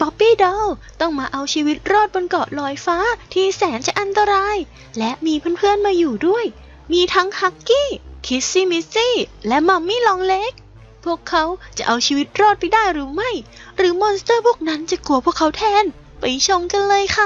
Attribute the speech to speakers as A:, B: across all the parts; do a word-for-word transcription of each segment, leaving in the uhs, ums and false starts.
A: ป๊อปปี้ดอลต้องมาเอาชีวิตรอดบนเกาะลอยฟ้าที่แสนจะอันตรายและมีเพื่อนๆมาอยู่ด้วยมีทั้งฮักกี้คิสซี่มิสซี่และมัมมี่ลองเล็กพวกเขาจะเอาชีวิตรอดไปได้หรือไม่หรือมอนสเตอร์พวกนั้นจะกลัวพวกเขาแทนไปชมกันเลยค่ะ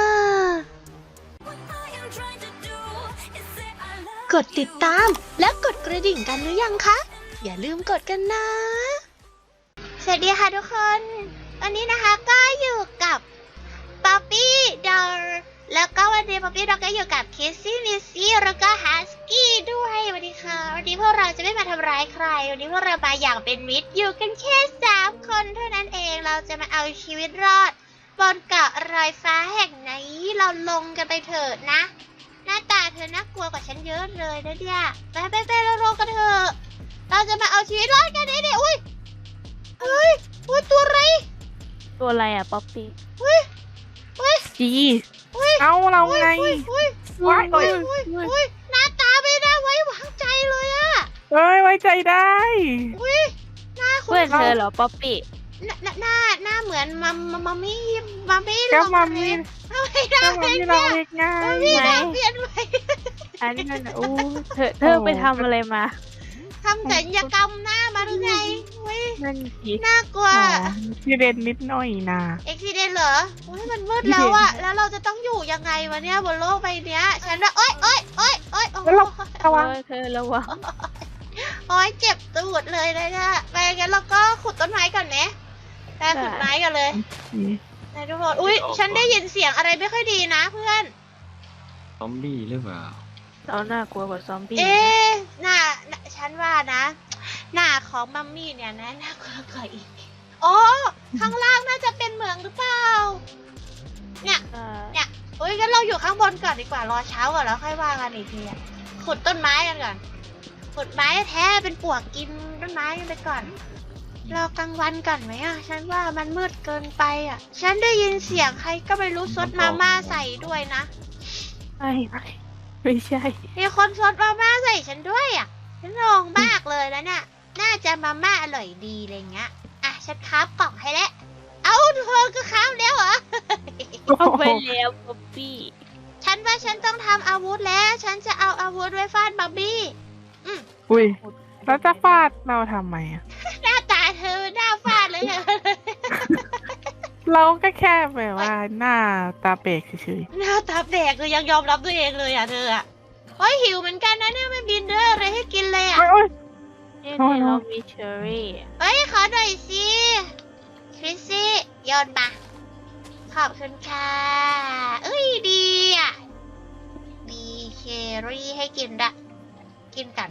A: กดติดตามและกดกระดิ่งกันหรือยังคะอย่าลืมกดกันนะสวัสดีค่ะทุกคนวันนี้นะคะก็อยู่กับป๊อปปี้ดอลแล้วก็วันนี้ป๊อปปี้ดอลก็อยู่กับคิสซี่มิสซี่แล้วก็ฮัสกี้ด้วยสวัสดีค่ะวันนี้พวกเราจะไม่มาทำร้ายใครวันนี้พวกเรามาอย่างเป็นมิตรอยู่กันแค่สามคนเท่านั้นเองเราจะมาเอาชีวิตรอดบนเกาะลอยฟ้าแห่งนี้เราลงกันไปเถิดนะหน้าตาเธอน่ากลัวกว่าฉันเยอะเลยนะเนี่ยไปไปไปเราลงกันเถอะเราจะมาเอาชีวิตรอดกันเนี่ยอุ้ยเฮ้ยอุ้ยตัวอะไร
B: ตัวอะไรอ่ะป๊อปปี้
A: อุ้ยอุ้ย
B: จี
A: อุ้ย
B: เอาเราไง
A: อุ้ยอุ้ยอุ้ยอุ้ยอุ้ยหน้าตาไม่น่าไว้วางใจเลยอะ
B: เอ้ยไว้ใจได้
A: อุ้ยหน้าคุณ
B: เพื่อนเธอเหรอป๊อปปี้
A: หน้าหน้าหน้าเหมือนมัมมัมมี่มัมมี่ลอง
B: มัมมี่
A: ไม่ได้ไม่ได้มัมมี่ลองเปลี่ยนไป
B: อันนั้นอู้เธอเธอไปทำอะไรมา
A: ทำศัลยกรรมหน้ามาหรือไง
B: นั่นสิ
A: น่ากลัว
B: ซีเดนนิดหน่อยนะ
A: เอ็กซิเดนเหรอโอ้ยมันมืดแล้วอะแล้วเราจะต้องอยู่ยังไงวะเนี่ยบนโลกใบนี้ฉันว่าโอ๊ยโอ๊ยโอ๊ยโอ๊ยโอ๊ย
B: ระวังเธอระวัง
A: โอ๊ยเจ็บตูดเลยนะเนี่ยไปงั้นเราก็ขุดต้นไม้ก่อนไหมไปขุดไม้กันเลยนายทุกคนอุ้ยฉันได้ยินเสียงอะไรไม่ค่อยดีนะเพื่อน
C: ซอมบี้หรือเปล่า
B: เราน่ากลัวกว่าซอมบี้
A: เอ๊ะหน้าฉันว่านะหน้าของมัมมี่เนี่ยนะน่ากลัวกว่าอีกอ๋อข้างล่างน่าจะเป็นเหมืองหรือเปล่าเนี่ยเนี่ยอุ้ยงั้นเราอยู่ข้างบนก่อนดีกว่ารอเช้าก่อนแล้วค่อยว่ากันอีกทีอ่ะขุดต้นไม้กันก่อนขุดไม้แท้เป็นปวกกินต้นไม้กันไปก่อนรอกลางวันก่อนไหมอ่ะฉันว่ามันมืดเกินไปอ่ะฉันได้ยินเสียงใครก็ไม่รู้ซดมาม่าใส่ด้วยนะ
B: ไม่ไม่ไม่ใช่
A: มีคนซดมาม่าใส่ฉันด้วยอ่ะฉันงงมากเลยแล้วเนี่ยน่าจะมาม่าอร่อยดีอะไรเงี้ยอ่ะฉันคราฟกล่องให้แล้วเอ้าเธอก็คราฟแล้วเหรอ
B: เอาไปแล้วป๊อปปี้
A: ฉันว่าฉันต้องทำอาวุธแล้วฉันจะเอาอาวุธไว้ฟาดบับบี้อืม
B: อุ้ยแล้วจะฟาดเราทำไมอ่ะ
A: หน้าตาเธอหน้าฟาดเลยเหรอ
B: เราก็แค่แบบว่าหน้าตาเปกเฉย
A: ๆหน้าตาแปลกเลยยังยอมรับตัวเองเลยอ่ะเธออ่ะเฮ้ยหิวเหมือนกันนะเนี่ยไม่บินเด้ออะไรให้กินเลยอ่ะ
B: นี่เรามีเชอร์รี่
A: เฮ้ยขอหน่อยสิคริสซี่โยนมาขอบคุณค่ะเอ้ยดีอ่ะมีเชอร์รี่ให้กินละกินกัน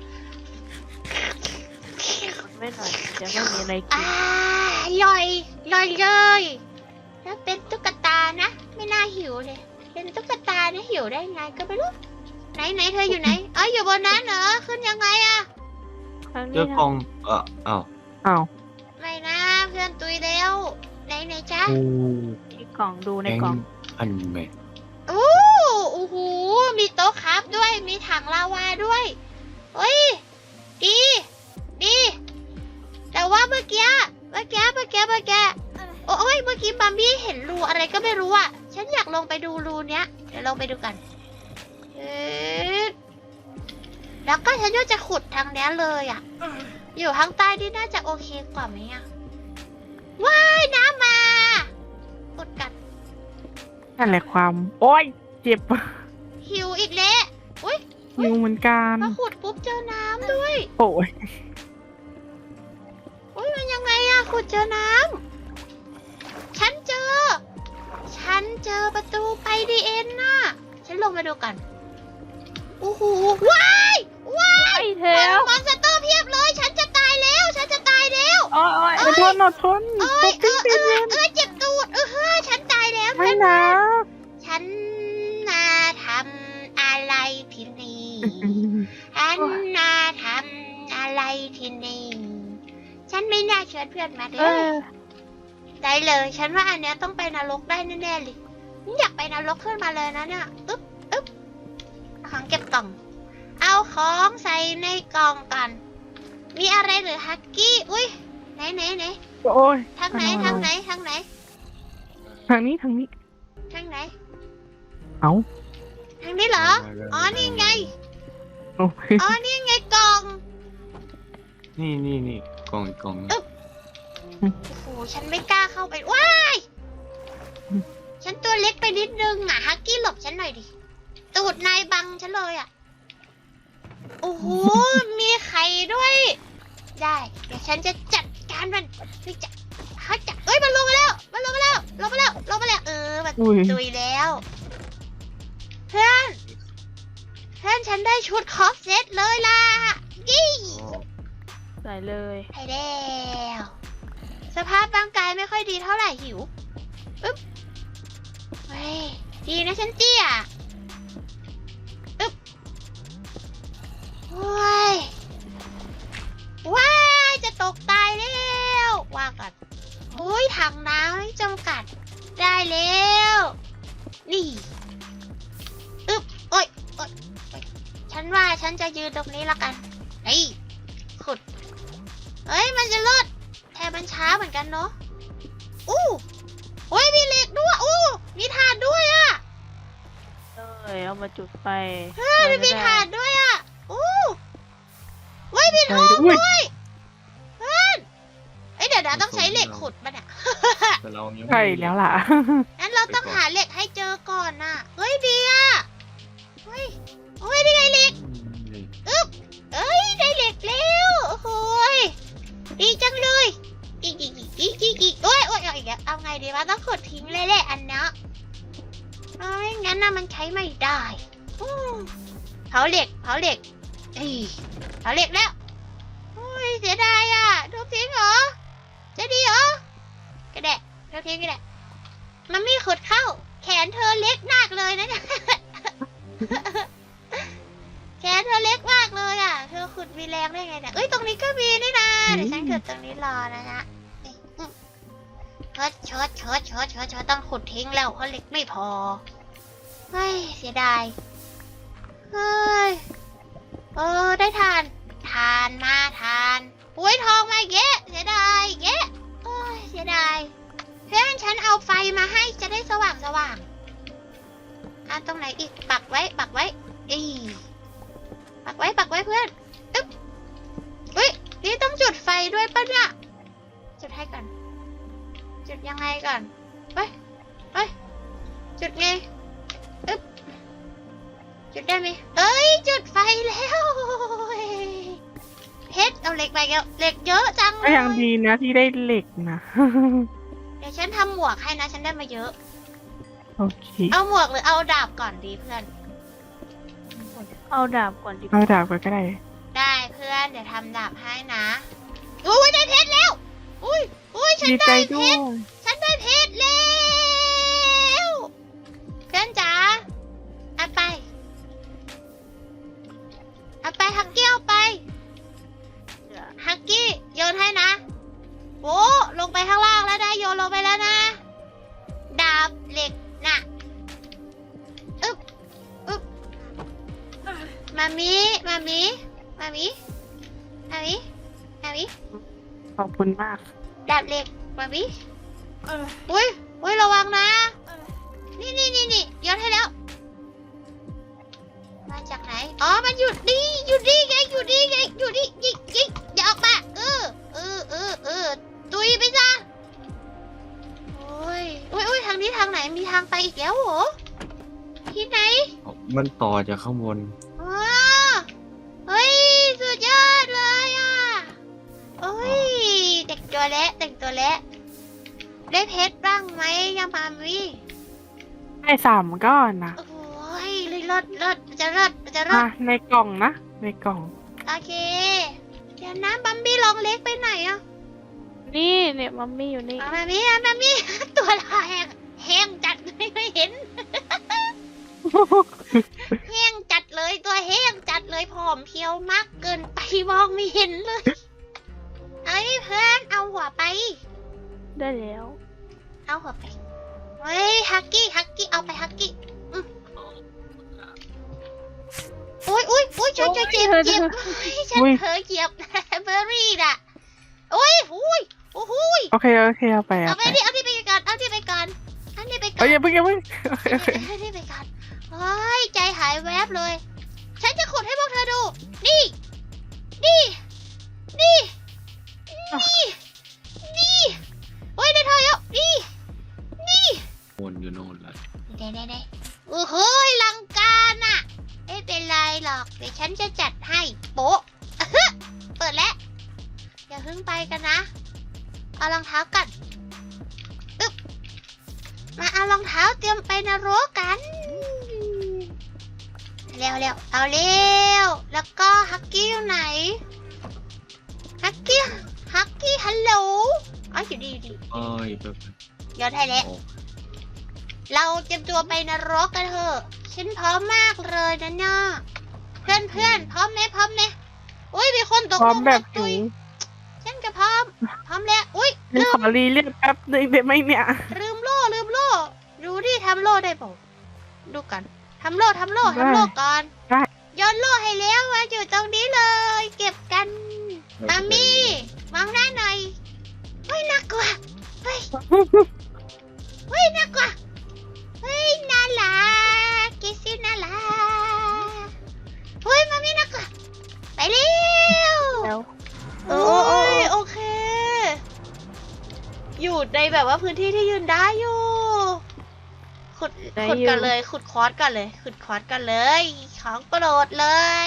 B: ไม่หน่อยจะไม่มีอะไรกิน
A: อ่าย่อยย่อยเลยแล้วเป็นตุ๊กตานะไม่น่าหิวเลยเป็นตุ๊กตาเนี่ยหิวได้ไงก็ไม่รู้ไหนไหนเธออยู่ไหนอ๋ออยู่บนนั้นเหรอขึ้นยังไงอะ
C: เจอกล่องเอออ้าว
B: อ้าว
A: ไม่นะเพื่อนตุยเร็วไหนไหนจ๊ะ
B: ที่กล่องดูในกล่อง
C: อันเมท
A: โอ้โอ้โหมีโต๊ะครับด้วยมีถังลาวาด้วยเฮ้ยดีดีแต่ว่าเมื่อกี้เมื่อกี้เมื่อกี้เมื่อกี้โอ้ยเมื่อกี้มัมมี่เห็นรูอะไรก็ไม่รู้อ่ะฉันอยากลงไปดูรูเนี้ยเดี๋ยวลงไปดูกันเอ๊ะแล้วก็ฉันก็จะขุดทางนี้เลยอ่ะอยู่ข้างใต้นี่น่าจะโอเคกว่าไหมอ่ะว้ายน้ำมาขุดกัน
B: นั่นแหละความโอ้ยเจ็บ
A: หิวอีกแล้วอุ้ย
B: หิวเหมือนกัน
A: มาขุดปุ๊บเจอน้ำด้วย
B: โอ้ย
A: อุ้ยมันยังไงอะขุดเจอน้ำฉันเจอฉันเจอประตูไปดีเอ็นน่ะฉันลงมาดูกันโอ้โหว้ายว้าย
B: เทล
A: มอนสเตอร์เพียบเลยฉันจะตายแล้วฉันจะตายแล้ว
B: โอ้ยอดทนอดทน
A: เอ้ยเออเออเออเจ็บตูดเออเฮ้ยฉันตายแล้ว
B: ไม่นะ
A: ฉันน่าทำอะไรที่นี่ฉันน่าทำอะไรที่นี่ฉันไม่น่าเชิญเพื่อนมาเลยได้เลยฉันว่าอันเนี้ยต้องไปนรกได้แน่ๆเลยอยากไปนรกขึ้นมาเลยนะเนี่ยอึ๊บอึ๊บของเก็บกล่องเอาของใส่ในกล่องกันมีอะไรหรือฮักกี้อุ้ยไหนไหนไหน
B: โอ้ย
A: ทางไหนทางไหนทางไหน
B: ทางนี้ทางนี้
A: ทางไหน
B: เอ้า
A: ทางนี้เหรอ อ๋อ นี่ไง
B: โอ้ย
A: อ๋อ นี่ไงกล่อง
C: นี่นี่นี่กล่องอีกกล่องนึง
A: โอ้โห ฉันไม่กล้าเข้าไป ว้าย ฉันตัวเล็กไปนิดนึงอ่ะ ฮักกี้หลบฉันหน่อยดิ ตูดนายบังฉันเลยอ่ะ โอ้โห มีไข่ด้วย ได้ เดี๋ยวฉันจะจัดการมันเฮ้ยจะฮักจะเอ้ย มันลงมาแล้ว มันลงมาแล้ว ลงมาแล้ว ลงมาแล้ว เออ มัน
B: อุ้ย
A: ตุยแล้ว เพื่อน เพื่อนฉันได้ชุดครอฟเซตเลยล่ะ ยี่
C: อ๋อ
B: ใส่เลย
A: ไปแล้วสภาพร่างกายไม่ค่อยดีเท่าไหร่หิวอึ๊บเฮ้ยดีนะฉันเตี้ยอึ๊บโอ้ยว้ายจะตกตายแล้วว่ากันโอ้ยถังน้ำไม่จำกัดได้แล้วนี่อึ๊บโอ้ยโอ้ยโอ๊ยฉันว่าฉันจะยืนตรงนี้ละกันนี่ขุดเฮ้ย มันจะรอดแต่มันช้าเหมือนกันเนาะ อู้โอ้ย มีเหล็กด้วย อู้ มีถ่านด้วยอะ
B: เลยเอามาจุดไฟ
A: เฮ้ยมันมีถ่านด้วยอะอู้เฮ้ย มีทอง
B: อุ้ย
A: ด้วยเพื่อนเอ้ย เดี๋ยวนะต้องใช้เหล็กขุดมันอะ
C: แต่เรายังไม่
B: ใช่แล้วล่ะ
A: งั้นเราต้องหาเหล็กให้เจอก่อนน่ะ เฮ้ยดีอะเฮ้ยโอ้ยนี่ไงเหล็ก
C: นี่
A: อึ๊บเอ้ย ได้เหล็กแล้ว โอ้โหยดีจังเลยอีกอีกอีกอีกอีกอีกโอ้ยโอ้ยเอาอีกแล้วเอาไงดีวะต้องขุดทิ้งเลยแหละอันเนี้ยเอ้ยงั้นน่ะมันใช้ไม่ได้อู้เผาเหล็กเผาเหล็กเอ้ยเผาเหล็กแล้วโอ้ยเสียดายอ่ะทุบทิ้งเหรอจะดีเหรอกระแดะทุบทิ้งกระแดะมันไม่ขุดเข้า แขนเธอเล็กมากเลยนะเนี่ย แขนเธอเล็กมากเลยอ่ะ เธอขุดมีแรงได้ไงเนี่ย เอ้ย ตรงนี้ก็มีนี่นะ เดี๋ยวฉันขุดตรงนี้รอนะฮะชดชดชดชดชดชดต้องขุดทิ้งแล้วเพราะเหล็กไม่พอ เฮ้ย เสียดาย เฮ้ย เออ ได้ทาน ทานมาทานอุ้ยทองมาเยอะเสียดายเยอะโอ้ย เสียดาย เพื่อนฉันเอาไฟมาให้จะได้สว่างสว่างอ่ะตรงไหนอีก ปักไว้ ปักไว้ อี ปักไว้ปักไว้เพื่อนอึ๊บอุ้ยนี่ต้องจุดไฟด้วยปะเนี่ยจุดให้ก่อนจุดยังไงก่อนเฮ้ยเฮ้ยจุดไงอึ๊บจุดได้ไหมเอ้ยจุดไฟแล้วเพชรเอาเหล็กไปแล้วเหล็กเยอะจังเล
B: ก็
A: ย
B: ยังดีนะที่ได้เหล็กนะ
A: เดี๋ยวฉันทำหมวกให้นะฉันได้มาเยอะ
B: โอเค
A: เอาหมวกหรือเอาดาบก่อนดีเพื่อน
B: เอาดาบก่อนดีเอาดาบก่อนก็ได้
A: ได้เพื่อนเดี๋ยวทำดาบให้นะอุ้ยได้เพชรแล้วอุ้ยอุ้ยฉัน
B: ดีใจ
A: ได้เพ
B: ด้วย
A: ชร ฉันได้เพชรแล้วเพื่อนจ๋าเอาไปเอาไปฮักกี้เอาไปฮักกี้โยนให้นะโอ้ลงไปข้างล่างแล้วนะโยนลงไปแล้วนะดาบเหล็กน่ะอึ๊บอึ๊บมามีมามีมามีมามีมามี
B: ขอบคุณมาก
A: ดาบเหล็กมามีอุ้ยอุ้ยระวังนะ นี่นี่นี่นี่ย้อนให้แล้ว มาจากไหน อ๋อ มันอยู่นี่อยู่นี่ไง อยู่นี่ไง อยู่นี่ยิงยิงอย่าออกมา เออ เออ เออ เออ ตุยไปซะโอ้ยโอ้ยโอ้ยทางนี้ทางไหน มีทางไปอีกแล้วเหรอ ที่ไหน
C: มันต่อจากข้างบน
A: อ๋อเฮ้ย สุดยอดเลยอ่ะโอ้ย แต่งตัวแล้วแต่งตัวแล้วได้เพชรบ้างไหมยังมามี
B: ได้สามก้อนนะ
A: โอ้ยเลยเลิศเลิศมันจะเลิศมันจะเลิ
B: อ่ะ
A: ศ
B: ในกล่องนะ ในกล่อง
A: โอเค เดี๋ยวนะบัมบี้ลองเล็กไปไหนอ่ะ
B: นี่เนี่ยมัมมี่อยู่นี่
A: มามามี่มามี่ ตัวลายแห้งแห้งจัดไม่เคยเห็น แห้งจัดเลยตัวแห้งจัดเลยผอมเพรียวมากเกินไปมองไม่เห็นเลยเอ้ยเพื่อนเอาหัวไป
B: ได้แล้ว
A: เอาหัวไปเฮ้ยฮักกี้ฮักกี้เอาไปฮักกี้อืมอุ้ยอุ้ยอุ้ยช่วยช่วยเจ็บเจ็บเฮ้ยฉันเผลอเหยียบ เบอร์รี่น่ะอุ้ยอุ้ยโอ้โหย
B: โอเคโอเคเอาไป
A: เอา
B: เอา
A: ไป
B: ไป
A: ดิเอาที่ไปก่อนเอาที่ไปก่อนอันกั
B: เอ้
A: น
B: ยอย่าเพิ่งอย่าเพิ่ง
A: ให้รีบไปกันเฮ้ยใจหายแวบเลย ฉันจะขุดให้พวกเธอดู นี่ นี่ นี่ นี่ นี่โอ้ยได้เธอแล้วนี่ นี่
C: วนอยู่โน่นแหละ
A: เด้เด้เด้โอ้โหลังการน่ะไม่เป็นไรหรอก เดี๋ยวฉันจะจัดให้โป๊ะ เปิดแล้ว อย่าเพิ่งไปกันนะ เอารองเท้ากันอึ๊บมาเอารองเท้าเตรียมไปนรกกัน เร็วเร็วเอาเร็ว แล้วก็ฮักกี้อยู่ไหน ฮักกี้ ฮักกี้ฮัลโหลอ๋ออยู่ดีอยู่ดี
C: เอ้ยแบบ
A: ย้อนให้แล้ว
C: โอ้
A: เราเตรียมตัวไปนรกกันเถอะ ฉันพร้อมมากเลยนะเนี่ยเพื่อนเพื่อนพร้อมไหมพร้อมไหมอุ้ยมีคนตก
B: พร้อม
A: ลง
B: แบบ
A: ตุ
B: หิ
A: ยว ฉันก็พร้อม พร้อมแล้ว อุ้ย
B: นี่
A: ลื
B: ข
A: ม
B: อรีเรียกแป๊บนึงได้ไหมเนี่ย
A: ลืมโล่ลืมโล่ดูดิทำโล่ได้เปล่าดูกันทำโล่ทำโล่
B: ได้
A: ทำโล่ก่อน
B: ได้
A: โย้อนโล่ให้แล้วมาอยู่ตรงนี้เลย เก็บกันมามี่มองหน้าหน่อยเฮ้ยน่ากลัวเฮ้ยเฮ้ยน่ากลัวเฮ้ยน่ารักกิซี่น่ารักเฮ้ยมามี่น่ากลัวไปเร็ว
B: แล้ว
A: โอ้ยโอเค อยู่ในแบบว่าพื้นที่ที่ยืนได้อยู่ ขุด
B: ได้
A: ขุด
B: อยู่
A: กันเลย ขุดคอร์สกันเลย ขุดคอร์สกันเลย ของโปรดเลย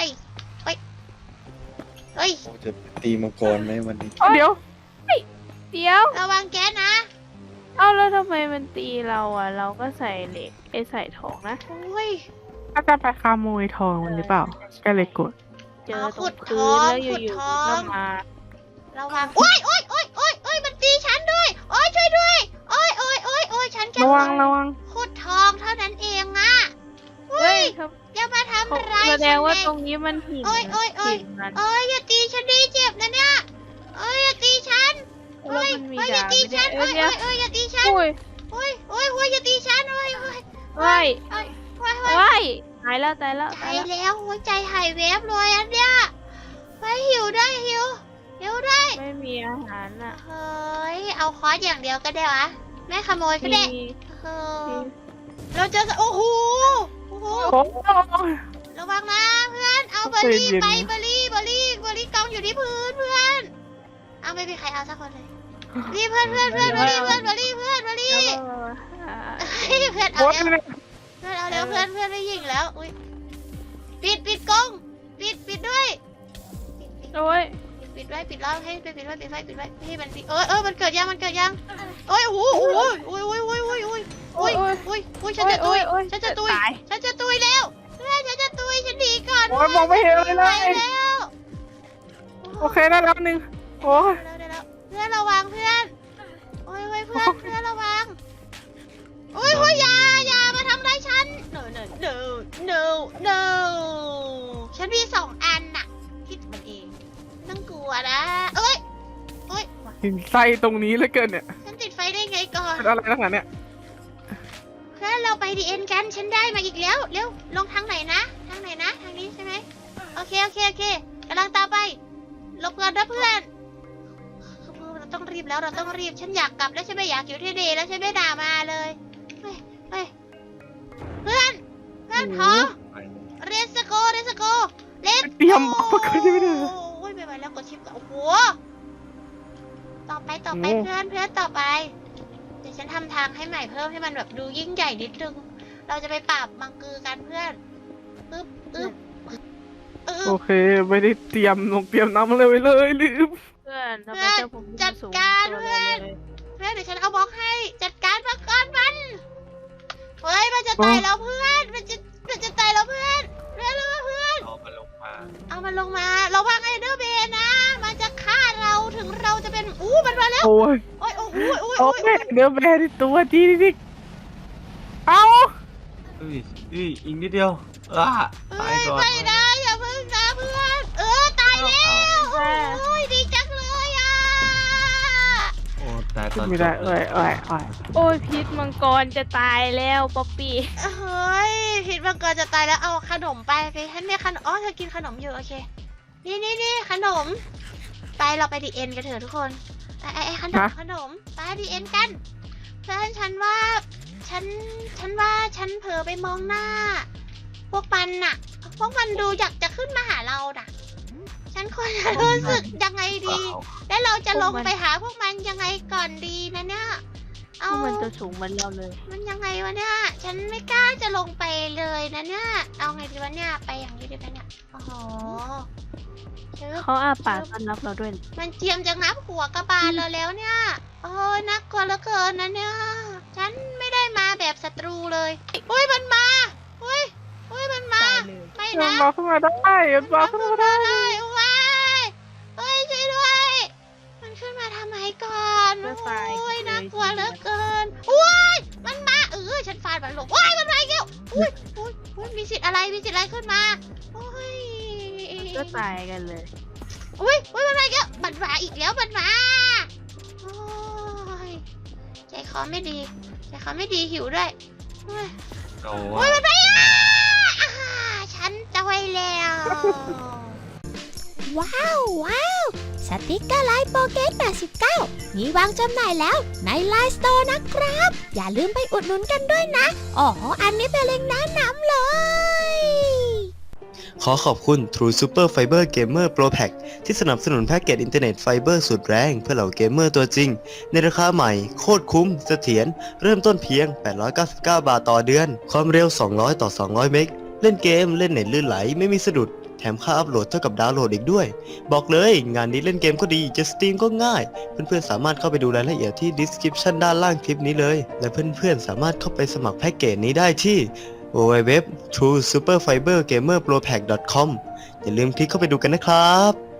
A: เฮ้ย เฮ้ย
C: เราจะตีมังกรไหมวันนี้
B: เดี๋ยว
D: เดี๋ยว
A: ระวังแก๊สนะ
D: เอาแล้วทำไมมันตีเราอ่ะ เราก็ใส่เหล็กไอใส่ทองนะ
A: โอ้ย
B: ถ้าจะไปขโมยทองมันหรือเปล่า ก็เลยกด
D: เจอ
A: เอา
D: ต
A: ขุ
D: ร
A: ด
D: งพื้น
A: ทอง
D: แล้วอ
A: ขุด
D: ยู่
A: ท
D: ๆ
A: อง
D: ก็มา
A: ระวัง โอ้ยโอ้ยโอ้ยโอ้ยโอ้ยมันตีฉันด้วย โอ้ยช่วยด้วย โอ้ยโอ้ยโอ้ยโอ้ยฉันแค่
B: ระวังระวัง
A: ขุดทองเท่านั้นเองอะ
D: เฮ้ย
A: อย่ามาทำ
D: เขา
A: ร้าย
D: แสด
A: ฉั
D: ง
A: น
D: ว่า
A: เลย
D: ตรงนี้มันหิน
A: โอ้ยโอ้ยโอ้ย
D: หินมัน
A: โอ้ยอย่าตีฉันดิเจ็บนะเนี่ยโอ้ยอย่าตีฉัน
D: แล้ว
A: โอ้ย
D: มันมี
A: โอ้ยอย่า
D: ดาบ
A: ตี
D: ไม่
A: ฉั
D: ได้
A: น
D: เอ้
A: โอ้
D: ย
A: ย
D: เดี๋ยว
A: โอ้ยโอ้ยอย่าตีฉัน
D: อุ้ย
A: โอ้ยโอ้ยโอ้ยอย่าตีฉันโอ้ยโอ้ย
D: เฮ้ย
A: โอ้ยโอ้ยโอ้ย
D: เฮ้ยตายแล้วตายแล้ว
A: ใจ
D: ตายแล้ว
A: แล้วหัวใจหายแวบเลยอันเนี้ยไปหิวด้วยหิวหิวด้วย
D: ไม่มีอาหารอ่ะ
A: เฮ้ยเอาคอร์สอย่างเดียวก็ได้วะไม่ขโมยก็
D: มี
A: ได้เออเราเจอโอ้โหโอ้โห
B: โอ้
A: ระวังนะเพื่อนเอาเบอร์รี่ไปเบอร์รี่เบอร์รี่เบอร์รี่กองอยู่ที่พื้นเพื่อนเอาไม่มีใครเอาสักคนเลยนี่เพื่อนเพื่อนเพื่อนเบอร์รี่เพื่อนเบอร์รี่เพื่อนเบอร์รี่
D: แล้วก็อ่า
A: เฮ้ยเพื่อนเอา
B: โอ้ย
A: เร็วเพื่อนเอาเร็วเพื่อนเพื่อนไม่ยิงแล้วอุ้ยปิดปิดกล้องปิดปิดด้วยปิดปิด
D: โอ้ย
A: ปิดไว้ปิดแล้วให้ปิดปิดไว้ปิดไว้ปิดไว้ให้มันเออเออมันเกิดยังมันเกิดยังโอ้ยโอ้โหโอ้ยโอ้ยโอ้ยโอ้ยโอ้ยโอ้ยโอ้ยโอ้ยโอ้ยโอ้ยฉันจะตุยฉันจะตุยฉันจะตุยแล้วเพื่อนฉันจะตุยฉันหนีก่อน
B: โอ้ยมองไม่เห็นเลยเล
A: ไป
B: ย
A: แล้ว
B: โอเคได้แล้วหนึ่งโอ้ย
A: เร็วเร็วเร็วเพื่อนระวังเพื่อนโอ้ยโอ้ยเพื่อนเพื่อนระวังโอ้ยโอ้ยอย่าอย่ามาทำร้ายฉัน no no no no no ฉันมีสองอันน่ะคิดมันเองต้องกลัวนะเอ้ยเอ้ย
B: หินไส้ตรงนี้เหลยเกินเนี่ย
A: ฉันติดไฟได้ไงก่อน
B: เป็นอะไรนักหนาเนี่ย
A: เพื่อนเราไปดีเอ็นกันฉันได้มาอีกแล้วเร็วลงทางไหนนะทางไหนนะทางนี้ใช่ไหมโอเคโอเคโอเคกำลังตามไปหลบก่อนนะเพื่อนเราต้องรีบแล้วเราต้องรีบฉันอยากกลับแล้วฉันไม่อยากอยู่ที่นี่แล้วฉันไม่ด่ามาเลยเฮ้ยเฮ้ยเพื่อนเพื่อนพร้อม
C: ไป
A: เรสโกเรสโกเลส
B: เตรียมอุปกรณ์ยังไม่ได้เลย
A: โอ้ยไม่ไหวแล้วกดชิปก่อนโอ้โหต่อไปต่อไป
B: โอ้
A: เพื่อนเพื่อนต่อไป เดี๋ยวฉันทำทางให้ใหม่เพิ่มให้มันแบบดูยิ่งใหญ่นิดนึง เราจะไปปราบมังกือกันเพื่อนอึ๊บอึ๊บอึ๊
B: โอบ เคไม่ได้เตรียมลงเตรียมน้ำอะไรไว้เลยลืม
D: เพื่อนทำไม
A: เพื่อน
D: เจ้าผม
A: จัด
D: สูง
A: การ
D: ตัว
A: เพื่อน
D: เลย
A: เพื่อนเดี๋ยวฉันเอาบล็อกให้ จัดการมังกรมัน เฮ้ยมันจะตายแล้วเพื่อน มันจะมันจะตายแล้วเพื่อน เพื่อนเพื่อน
C: เอามาลงมา
A: เอามันลงมาระวังไอเดอร์เบนนะ มันจะฆ่าเราถึงเราจะเป็นอู้มันมาแล้ว
B: โอ้ย
A: โอ้ยโอ้ยโอ้ย
B: โอ้
A: โอ้
B: ย
A: ย
B: เนื้อแบรตัวดีดิเอา
C: เอ้ยเอ้ยอีกนิดเดียวอ่ะ
A: เอ้
C: ตาย
A: ย
C: ก่อน
A: ไม่นะอย่าเพิ่งนะเพื่อน เออตายแล้วโอ้ยดีจังเลยอ่ะ
C: โอ้ตายตอน
B: ไม่
C: จ
B: ได้
C: บเล
B: เอ้
C: ย
B: ยเอ้ยเอ้ย
D: โอ้ยพิษมังกรจะตายแล้วป๊อปปี้
A: เฮ้ยพิษมังกรจะตายแล้วเอาขนมไปไปฉันมีขนมอ๋อเธอกินขนมอยู่โอเค นี่นี่นี่ขนม ไปเราไปดีเอ็นกันเถอะทุกคนไอไอไอขนมขนมไปดีเอ็นกันเพื่อนฉันว่าฉัน ฉันว่าฉันเผลอไปมองหน้า พวกมันน่ะ พวกมันดูอยากจะขึ้นมาหาเราน่ะ ฉันควรจะรู้สึกยังไงดี แล้วเราจะลงไปหาพวกมันยังไงก่อนดีนะเนี่ย
D: พ
A: เอา
D: วกมันตัวสูงเหมือนเราเลย
A: มันยังไงวะเนี่ย ฉันไม่กล้าจะลงไปเลยนะเนี่ย เอาไงดีวะเนี่ย ไปอย่างนี้ดีไหมเนี่ย โอ้โหชึบ
D: เขาอาปากต้อนรับเราด้วยนะ
A: มันเจียมจากน้ำหัวกระบาลเราแล้วเนี่ย โอ้ยน่ากลัวเหลือเกินนะเนี่ย ฉันไม่ได้มาแบบศัตรูเลยอุ้ยมันมาอุ้ยอุ้ยมันมา ไม่
B: มัน
A: นะ
B: บอกขึ้นมาได้มันบอกขึ้นมาได้
A: ได้ว้ายเฮ้ยช่วยด้วย มันขึ้นมาทำไมก่อนโอ้ยน่ากลัวเหลือเกินอุ้ยมันมาเออฉันฟาดมันลงว้ายมันมาอีกแล้วอุ้ยอุ้ยอุ้ยมีสิทธิ์อะไรมีสิทธิ์อะไรขึ้นมาโอ้ย
D: ก็ตายกันเลย
A: อุ้ยอุ้ยมันมาอีกแล้วมันมาอีกแล้วมันมาโอ้ยใจคอไม่ดีใจคอไม่ดีหิวด้วยเฮ้ย
C: เอา
A: อุ้
C: วะ
A: ยมันไปอ่ะอ่าฉันจะไว้แล้ว
E: ว้าวว้าวสติกเกอร์ไลน์โปเกตแปดสิบเก้ามีวางจำหน่ายแล้วในไลน์สโตร์นะครับ อย่าลืมไปอุดหนุนกันด้วยนะ อ๋อ อันนี้เป็นเล็งก์แนะนำเลย
F: ขอขอบคุณ True Super Fiber Gamer Pro Pack ที่สนับสนุนแพ็กเกจอินเทอร์เน็ตไฟเบอร์สุดแรงเพื่อเหล่าเกมเมอร์ตัวจริง ในราคาใหม่ โคตรคุ้มเสถียรเริ่มต้นเพียง แปดร้อยเก้าสิบเก้า บาทต่อเดือน ความเร็ว สองร้อย ต่อ สองร้อย เมกะ เล่นเกมเล่นเน็ตลื่นไหลไม่มีสะดุด แถมค่าอัพโหลดเท่ากับดาวน์โหลดอีกด้วย บอกเลยงานนี้เล่นเกมก็ดีจะสตรีมก็ง่าย เพื่อนๆสามารถเข้าไปดูรายละเอียดที่ description ด้านล่างคลิปนี้เลย และเพื่อนๆสามารถเข้าไปสมัครแพ็กเกจนี้ได้ที่ ดับเบิลยู ดับเบิลยู ดับเบิลยู ดอท ทรู ซูเปอร์ ไฟเบอร์ เกมเมอร์ โปร แพ็ก ดอท คอม อย่าลืมคลิกเข้าไปดูกันนะครับ